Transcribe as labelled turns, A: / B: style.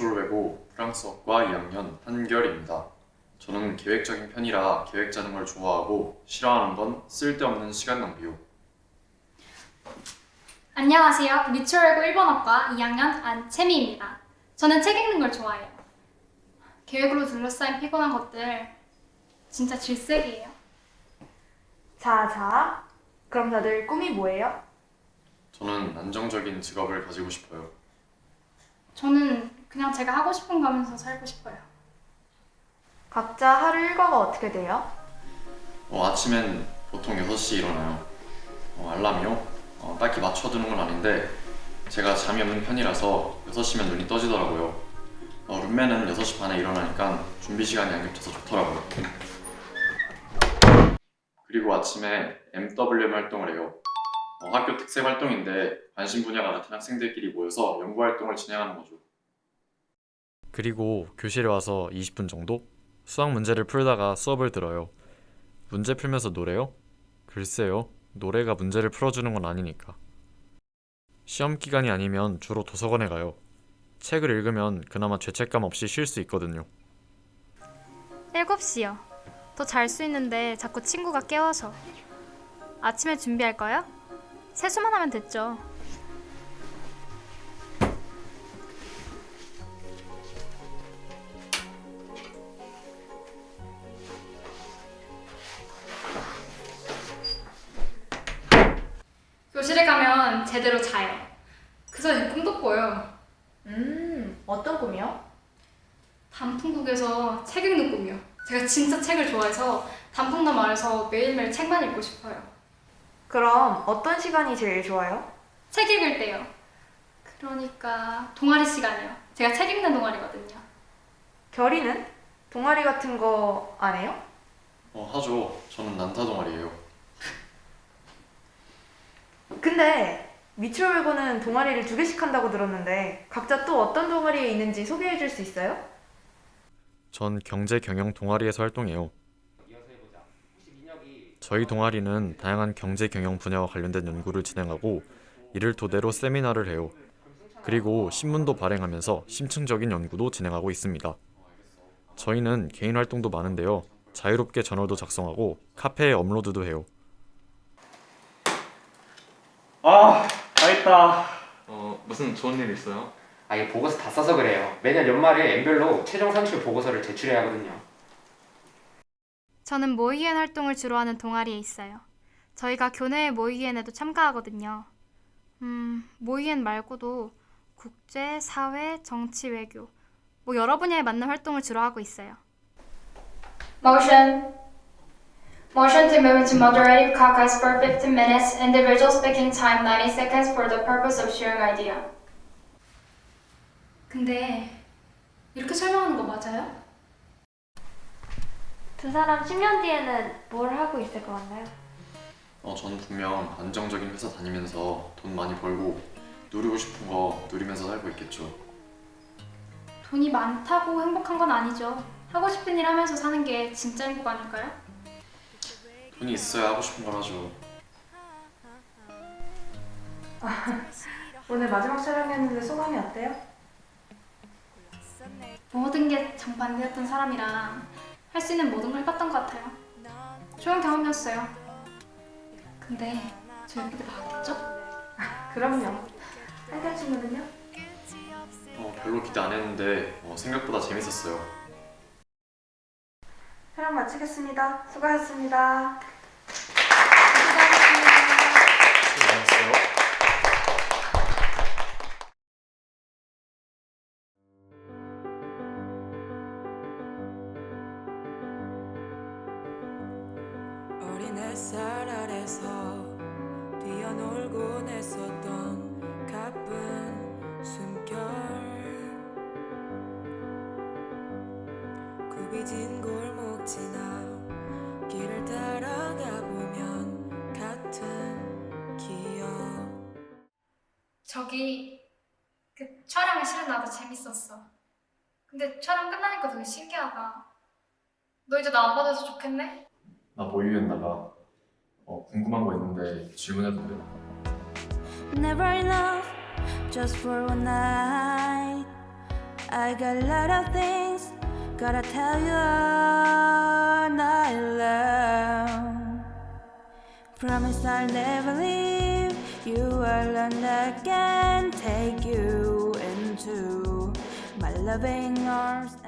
A: 미추홀외고 프랑스어과 2학년 한결입니다. 저는 계획적인 편이라 계획 짜는 걸 좋아하고 싫어하는 건 쓸데없는 시간 낭비요.
B: 안녕하세요. 미추홀외고 일본어과 2학년 안채미입니다. 저는 책 읽는 걸 좋아해요. 계획으로 둘러싸인 피곤한 것들 진짜 질색이에요.
C: 자. 그럼 다들 꿈이 뭐예요?
A: 저는 안정적인 직업을 가지고 싶어요.
B: 저는 그냥 제가 하고 싶은 거 하면서 살고 싶어요.
C: 각자 하루 일과가 어떻게 돼요?
A: 아침엔 보통 6시에 일어나요. 알람이요? 딱히 맞춰두는 건 아닌데 제가 잠이 없는 편이라서 6시면 눈이 떠지더라고요. 룸메는 6시 반에 일어나니까 준비 시간이 안 겹쳐서 좋더라고요. 그리고 아침에 MWM 활동을 해요. 학교 특색 활동인데 관심 분야가 같은 학생들끼리 모여서 연구 활동을 진행하는 거죠.
D: 그리고 교실에 와서 20분 정도 수학 문제를 풀다가 수업을 들어요. 문제 풀면서 노래요? 글쎄요. 노래가 문제를 풀어주는 건 아니니까. 시험 기간이 아니면 주로 도서관에 가요. 책을 읽으면 그나마 죄책감 없이 쉴 수 있거든요.
B: 7시요. 더 잘 수 있는데 자꾸 친구가 깨워서. 아침에 준비할까요? 세수만 하면 됐죠. 교실에 가면 제대로 자요. 그래서 제 꿈도 꿔요.
C: 어떤 꿈이요?
B: 단풍국에서 책 읽는 꿈이요. 제가 진짜 책을 좋아해서 단풍나무 아래서 매일매일 책만 읽고 싶어요.
C: 그럼 어떤 시간이 제일 좋아요?
B: 책 읽을 때요. 그러니까 동아리 시간이요. 제가 책 읽는 동아리거든요.
C: 결이는? 동아리 같은 거 안 해요?
A: 하죠. 저는 난타 동아리예요.
C: 근데 미추홀외고는 동아리를 2개씩 한다고 들었는데 각자 또 어떤 동아리에 있는지 소개해 줄 수 있어요?
D: 전 경제 경영 동아리에서 활동해요. 저희 동아리는 다양한 경제 경영 분야와 관련된 연구를 진행하고 이를 토대로 세미나를 해요. 그리고 신문도 발행하면서 심층적인 연구도 진행하고 있습니다. 저희는 개인 활동도 많은데요. 자유롭게 저널도 작성하고 카페에 업로드도 해요.
E: 다 했다.
F: 무슨 좋은 일 있어요?
E: 이 보고서 다 써서 그래요. 매년 연말에 엠별로 최종 산출 보고서를 제출해야 하거든요.
B: 저는 모의엔 활동을 주로 하는 동아리에 있어요. 저희가 교내의 모의엔에도 참가하거든요. 모의엔 말고도 국제, 사회, 정치, 외교 뭐 여러 분야에 맞는 활동을 주로 하고 있어요. Motion to move into moderated caucus for 15 minutes. Individual speaking time 90 seconds for the purpose of sharing idea. 근데 이렇게 설명하는 거 맞아요?
C: 두 사람 10년 뒤에는 뭘 하고 있을 것 같나요?
A: 전 분명 안정적인 회사 다니면서 돈 많이 벌고 누리고 싶은 거 누리면서 살고 있겠죠.
B: 돈이 많다고 행복한 건 아니죠. 하고 싶은 일 하면서 사는 게 진짜 행복 아닐까요?
A: 돈이 있어야 하고 싶은 걸 하죠.
C: 오늘 마지막 촬영이었는데 소감이 어때요?
B: 모든 게 정반대였던 사람이랑 할 수 있는 모든 걸 해봤던 것 같아요. 좋은 경험이었어요. 근데 저 이렇게 나왔겠죠?
C: 그럼요. 한결 친구는요?
A: 별로 기대 안 했는데 생각보다 재밌었어요.
C: 촬영 마치겠습니다. 수고하셨습니다.
D: 수고하셨어요.
G: 어린 햇살 아래서 뛰어놀곤 했었던 가쁜 숨결 굽이진 골목 지나 길을 따라가 보면 같은 기억
B: 저기 그 촬영이 실은 나도 재밌었어. 근데 촬영 끝나니까 되게 신기하다. 너 이제 나 안 받아서 좋겠네?
A: 나 모의엔 나가. 궁금한 거 있는데 질문해도 돼?
G: Never enough just for one night I got a lot of things gotta tell you all night long. Promise I'll never leave you alone again. Take you into my loving arms.